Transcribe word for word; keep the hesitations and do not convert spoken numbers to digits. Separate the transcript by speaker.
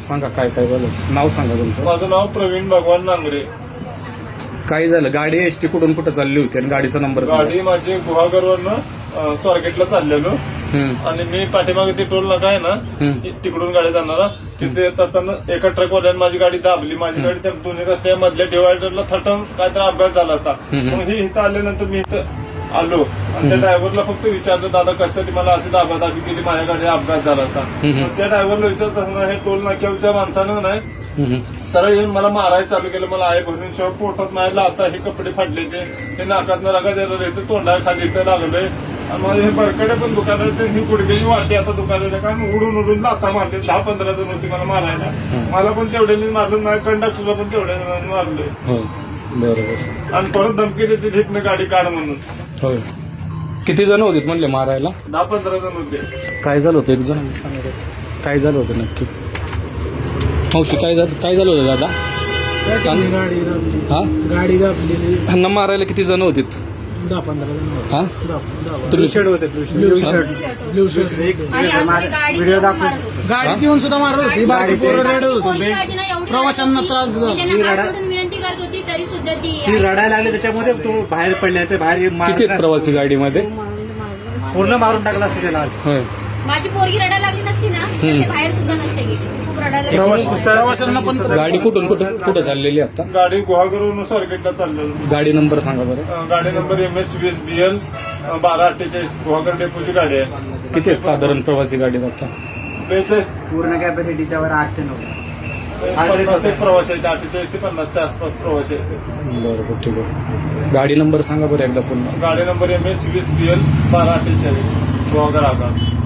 Speaker 1: सांगा काय काय झालं, नाव सांगा तुमचं.
Speaker 2: माझं नाव प्रवीण भगवान नांगरे.
Speaker 1: काय झालं, गाडी एसटी कुठून कुठं चालली होती आणि गाडीचा नंबर सांगा.
Speaker 2: गाडी माझी गुहागरवरनं स्वारगेटला चाललेलो
Speaker 1: हम्म,
Speaker 2: आणि मी पाठीमागे ते टोल नाका आहे ना
Speaker 1: हम्म,
Speaker 2: तिकडून गाडी जाणारा तिथे येत असताना एका ट्रकवाल्याने माझी गाडी दाबली. माझी गाडी त्या दोन्ही रस्त्या मधल्या डिवायडरला थटून काहीतरी अपघात झाला होता.
Speaker 1: हम्म.
Speaker 2: मग ही इथं आल्यानंतर मी इथं आलो आणि त्या ड्रायव्हरला फक्त विचारलं, दादा कशासाठी मला अशी दाबादाबी केली, माझ्या गाडीचा अपघात झाला होता.
Speaker 1: हम्म.
Speaker 2: मग त्या ड्रायव्हरला विचारत असताना हे टोल नाक्याच्या माणसानं नाही
Speaker 1: हम्म,
Speaker 2: सरळ येऊन मला मारायला चालू केलं. मला आहे भरून शिवाय पोटात मारायला, आता हे कपडे फाडले ते हे नाकातनं रागा द्यायला येते, तोंडा खाली इथं लागलंय आणि माझे हे बरकडे पण दुकान आहे, ही गुडघ्याची वाटी आता दुकानाला कारण उडून उडून लाथा मारले. दहा पंधरा जण होती मला मारायला, मला पण तेवढ्याने मारलं, माझ्या कंडक्टरला पण तेवढ्या जणांनी मारले.
Speaker 1: हो बरोबर.
Speaker 2: आणि परत धमकी देते तिथनं गाडी काढ म्हणून.
Speaker 1: होय, किती जण होते म्हणले मारायला?
Speaker 2: दहा पंधरा जण होते.
Speaker 1: काय झालं होतं, एक जण सांगा काय झालं होतं नक्की. मावशी काय झालं, काय झालं होतं दादा? सांग.
Speaker 3: गाडी दाबली,
Speaker 1: हा,
Speaker 3: गाडी दाबलेली.
Speaker 1: ह्यांना मारायला किती जण होते?
Speaker 3: दहा पंधरा जण
Speaker 1: हा,
Speaker 3: होते.
Speaker 1: तुम्ही
Speaker 2: होते
Speaker 3: blue shirt, blue shirt.
Speaker 4: Video दाखवतो.
Speaker 3: गाडीत येऊन सुद्धा मारत होती, बाकी पोरं रडत होती.
Speaker 4: प्रवाशांना
Speaker 3: प्रवाशांना त्रास दिला.
Speaker 4: विनंती करत होती तरी सुद्धा ती
Speaker 5: ती रडायला लागली, त्याच्यामध्ये तो बाहेर पडले, ते बाहेर
Speaker 1: किती
Speaker 5: मार-
Speaker 1: आहेत प्रवासी गाडीमध्ये?
Speaker 5: पूर्ण मारून टाकला असतं त्याला.
Speaker 1: होय,
Speaker 4: माझी पोरगी रडायला लागली नसती ना तर ते बाहेर सुद्धा नसते गेली. ती खूप रडायला लागली.
Speaker 3: प्रवाशांना पण
Speaker 1: गाडी कुठून कुठं कुठं चाललेली आता?
Speaker 2: गाडी गुहागरवरून स्वारगेटला चाललेलो.
Speaker 1: गाडी नंबर सांगा बरं.
Speaker 2: अं, गाडी नंबर एम एच वीस बी एल बारा अठ्ठेचाळीस गुहागर डेपोची गाडी आहे.
Speaker 1: किती आहेत साधारण प्रवासी गाडीत आता?
Speaker 2: बेचाळीस
Speaker 5: पूर्ण कॅपॅसिटीच्या वर आठ ते नऊ
Speaker 2: पन्नास एक प्रवासी आहेत, अठ्ठेचाळीस ते पन्नासच्या आसपास प्रवासी आहेत.
Speaker 1: बरोबर, ठीक आहे. गाडी नंबर सांगा बरं एकदा पुन्हा.
Speaker 2: गाडी नंबर एम एच वीस बी एल बारा अठ्ठेचाळीस गुहागर आगार.